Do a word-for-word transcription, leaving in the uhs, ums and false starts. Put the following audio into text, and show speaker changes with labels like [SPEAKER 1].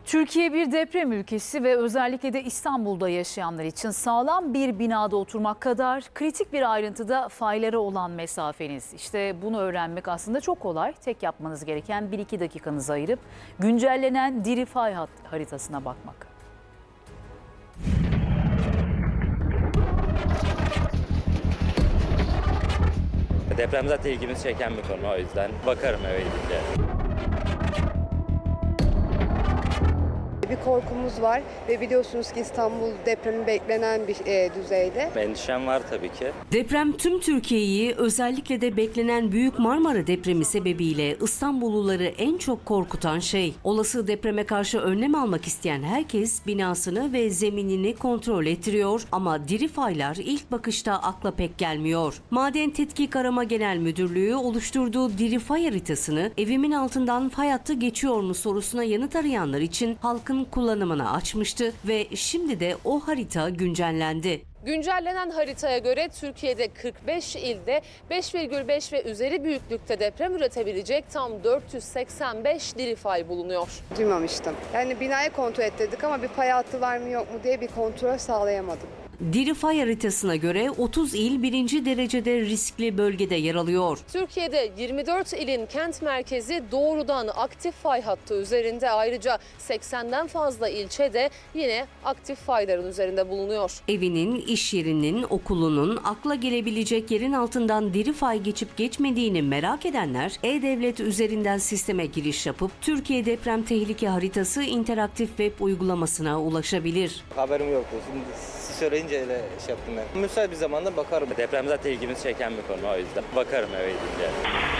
[SPEAKER 1] Türkiye bir deprem ülkesi ve özellikle de İstanbul'da yaşayanlar için sağlam bir binada oturmak kadar kritik bir ayrıntıda faylara olan mesafeniz. İşte bunu öğrenmek aslında çok kolay. Tek yapmanız gereken bir iki dakikanızı ayırıp güncellenen diri fay haritasına bakmak.
[SPEAKER 2] Deprem zaten ilgimizi çeken bir konu, o yüzden bakarım eve gidince.
[SPEAKER 3] Bir korkumuz var ve biliyorsunuz ki İstanbul depremi beklenen bir e, düzeyde.
[SPEAKER 2] Endişem var tabii ki.
[SPEAKER 4] Deprem tüm Türkiye'yi, özellikle de beklenen Büyük Marmara depremi sebebiyle İstanbulluları en çok korkutan şey. Olası depreme karşı önlem almak isteyen herkes binasını ve zeminini kontrol ettiriyor ama diri faylar ilk bakışta akla pek gelmiyor. Maden Tetkik Arama Genel Müdürlüğü oluşturduğu diri fay haritasını evimin altından fay hattı geçiyor mu sorusuna yanıt arayanlar için halkın kullanımına açmıştı ve şimdi de o harita güncellendi.
[SPEAKER 5] Güncellenen haritaya göre Türkiye'de kırk beş ilde beş virgül beş ve üzeri büyüklükte deprem üretebilecek tam dört yüz seksen beş diri fay bulunuyor.
[SPEAKER 3] Duymamıştım. Yani binayı kontrol ettirdik ama bir fay hattı var mı yok mu diye bir kontrol sağlayamadım.
[SPEAKER 4] Diri fay haritasına göre otuz il birinci derecede riskli bölgede yer alıyor.
[SPEAKER 5] Türkiye'de yirmi dört ilin kent merkezi doğrudan aktif fay hattı üzerinde, ayrıca seksenden fazla ilçe de yine aktif fayların üzerinde bulunuyor.
[SPEAKER 4] Evinin, iş yerinin, okulunun akla gelebilecek yerin altından diri fay geçip geçmediğini merak edenler E-Devlet üzerinden sisteme giriş yapıp Türkiye Deprem Tehlike Haritası interaktif web uygulamasına ulaşabilir.
[SPEAKER 6] Haberim yoktu. Şimdi siz söyleyince öyle şey yaptım ben. Müsait bir zamanda bakarım.
[SPEAKER 2] Deprem zaten ilgimizi çeken bir konu, o yüzden bakarım eve gidince.